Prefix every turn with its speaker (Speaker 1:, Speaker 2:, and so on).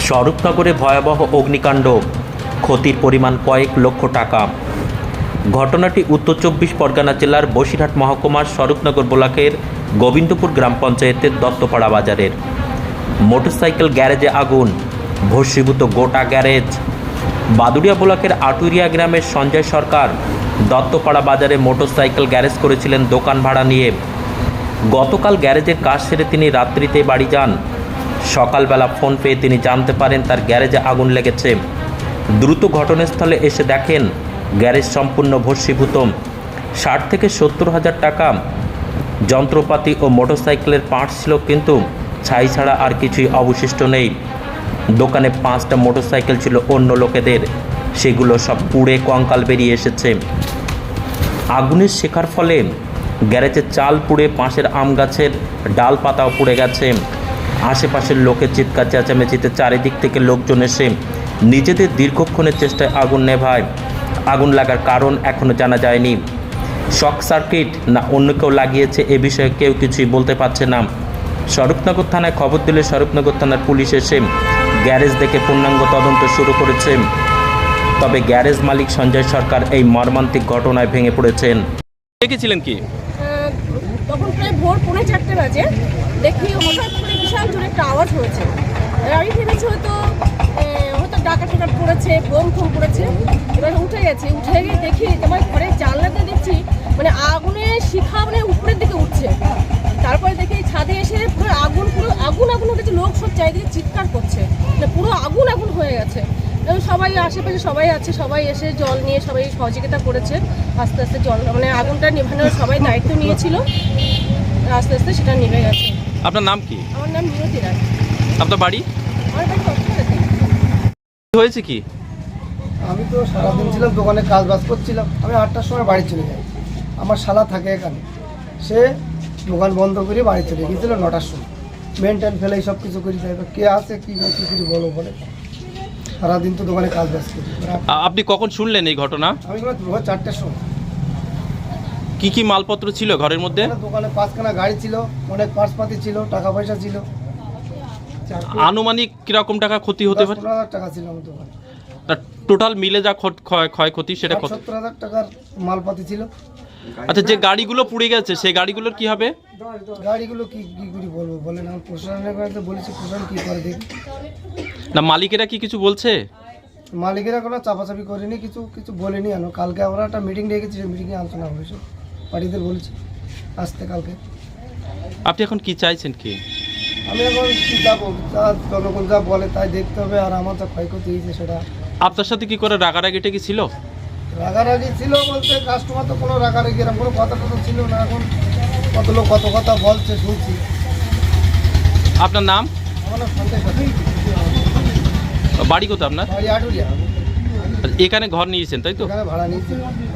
Speaker 1: স্বরূপনগরে ভয়াবহ অগ্নিকাণ্ড, ক্ষতির পরিমাণ কয়েক লক্ষ টাকা। ঘটনাটি উত্তর ২৪ পরগনা জেলার বসিরহাট মহকুমার স্বরূপনগর ব্লকের গোবিন্দপুর গ্রাম পঞ্চায়েতের দত্তপাড়া বাজারের মোটরসাইকেল গ্যারেজে আগুন, ভস্মীভূত গোটা গ্যারেজ। বাদুড়িয়া ব্লকের আটুরিয়া গ্রামের সঞ্জয় সরকার দত্তপাড়া বাজারে মোটরসাইকেল গ্যারেজ করেছিলেন দোকান ভাড়া নিয়ে। গতকাল গ্যারেজের কাজ সেরে তিনি রাত্রিতে বাড়ি যান। সকালবেলা ফোন পেয়ে তিনি জানতে পারেন তার গ্যারেজে আগুন লেগেছে। দ্রুত ঘটনাস্থলে এসে দেখেন গ্যারেজ সম্পূর্ণ ভস্মীভূত। ৬০ থেকে ৭০ হাজার টাকা যন্ত্রপাতি ও মোটরসাইকেলের পার্টস ছিল, কিন্তু ছাই ছাড়া আর কিছুই অবশিষ্ট নেই। দোকানে ৫টা মোটরসাইকেল ছিল অন্য লোকেদের, সেগুলো সব পুড়ে কঙ্কাল বেরিয়ে এসেছে। আগুনের শেখার ফলে গ্যারেজের চাল পুড়ে পাশের আম গাছের ডাল পাতাও পুড়ে গেছে। আশেপাশের লোকের চিৎকার চেঁচামেচিতে চারিদিক থেকে লোকজন এসে নিজেদের দীর্ঘক্ষণের চেষ্টায় আগুন নেভায়। আগুন লাগার কারণ এখনও জানা যায়নি। শক সার্কিট না অন্য কেউ লাগিয়েছে, এ বিষয়ে কেউ কিছুই বলতে পারছে না। স্বরূপনগর থানায় খবর দিলে স্বরূপনগর থানার পুলিশ এসে গ্যারেজ দেখে পূর্ণাঙ্গ তদন্ত শুরু করেছে। তবে গ্যারেজ মালিক সঞ্জয় সরকার এই মর্মান্তিক ঘটনায় ভেঙে পড়েছেন।
Speaker 2: দেখেছিলেন কি?
Speaker 3: তখন প্রায় ভোর 3:45 বাজে দেখি হঠাৎ করে বিশাল জোরে একটা আওয়াজ হয়েছে। আমি ভেবেছি হয়তো ডাকা টাকা পড়েছে, বোম ফোম পড়েছে। এবার উঠে গিয়ে দেখি আমার ঘরের জানলাতে দেখছি মানে আগুনের শিখা মানে উপরের দিকে উঠছে। তারপরে দেখি ছাদে এসে পুরো আগুন হয়ে গেছে। লোক সব চারিদিকে চিৎকার করছে, মানে পুরো আগুন হয়ে গেছে। এবং সবাই আশেপাশে সবাই আছে, সবাই এসে জল নিয়ে সবাই সহযোগিতা করেছে। আস্তে আস্তে জল মানে আগুনটা নেভানোর সবাই দায়িত্ব নিয়েছিল, আস্তে আস্তে সেটা নিভে গেছে।
Speaker 2: আপনার নাম কি?
Speaker 3: আমার নাম মিনতি রায়।
Speaker 2: আপনার বাড়ি?
Speaker 3: আমার বাড়ি দত্তপাড়াতে।
Speaker 2: হয়েছে কি?
Speaker 4: আমি তো সারাদিন ছিলাম দোকানে, কাজ বাজ করছিলাম। আমি 8টার সময় বাড়ি চলে যাই। আমার শালা থাকে এখানে, সে দোকান বন্ধ করে বাড়ি চলে গিয়েছিল 9টার সময়। মেনটেন ফেলে সব কিছু করি, তাই কে আছে কী কিছু বলো বলে। সারাদিন তো দোকানে কাজ বাজ করি।
Speaker 2: আপনি কখন শুনলেন এই ঘটনা?
Speaker 4: আমি ভোর 4টার সময়।
Speaker 2: কি কি মালপত্র ছিল ঘরের মধ্যে?
Speaker 4: দোকানে 5খানা গাড়ি ছিল, অনেক পার্সপাতি ছিল, টাকা পয়সা ছিল।
Speaker 2: আনুমানিক কিরকম টাকা ক্ষতি হতে পারে?
Speaker 4: 15,000 টাকা ছিল আমার দোকানে।
Speaker 2: টোটাল মিলে যা ক্ষয়ক্ষতি সেটা কত?
Speaker 4: 70,000 টাকার মালপাতি ছিল।
Speaker 2: আচ্ছা, যে গাড়িগুলো পুড়ে গেছে সেই গাড়িগুলোর কি হবে?
Speaker 4: গাড়িগুলো কি করে বলবো বলেন, আমি প্রশাসনের কাছে বলেছি, প্রশাসন কি করে দেখি।
Speaker 2: না মালিকেরা কি কিছু বলছে?
Speaker 4: মালিকেরা কোনো চাপাচাপি করেনি, কিছু বলেনি। আনো কালকে আমরা একটা মিটিং রেখেছি, সেই মিটিংয়ে আলোচনা হয়েছে, পার্টিদের বলেছি আসতে কালকে।
Speaker 2: আপনি এখন কি চাইছেন কি?
Speaker 4: আমি এখন কি যাবো, জনগণ যা বলে তাই দেখতে হবে। আর আমার যা ক্ষয়ক্ষতি হয়েছে সেটা।
Speaker 2: আপনার সাথে কি করে রাগারাগিটা কি ছিল?
Speaker 4: রাগারাগি ছিল বলতে কাস্টমার তো কোনো রাগারাগি এরকম কোনো কথা টথা ছিল না। এখন কত লোক কত কথা বলছে শুনছি।
Speaker 2: আপনার নাম?
Speaker 4: আমার নাম সঞ্জয় সরকার।
Speaker 2: বাড়ি কোথায় আপনার?
Speaker 4: বাড়ি আটুরিয়া।
Speaker 2: এখানে ঘর নিয়েছেন তাই তো?
Speaker 4: এখানে ভাড়া নিয়েছি।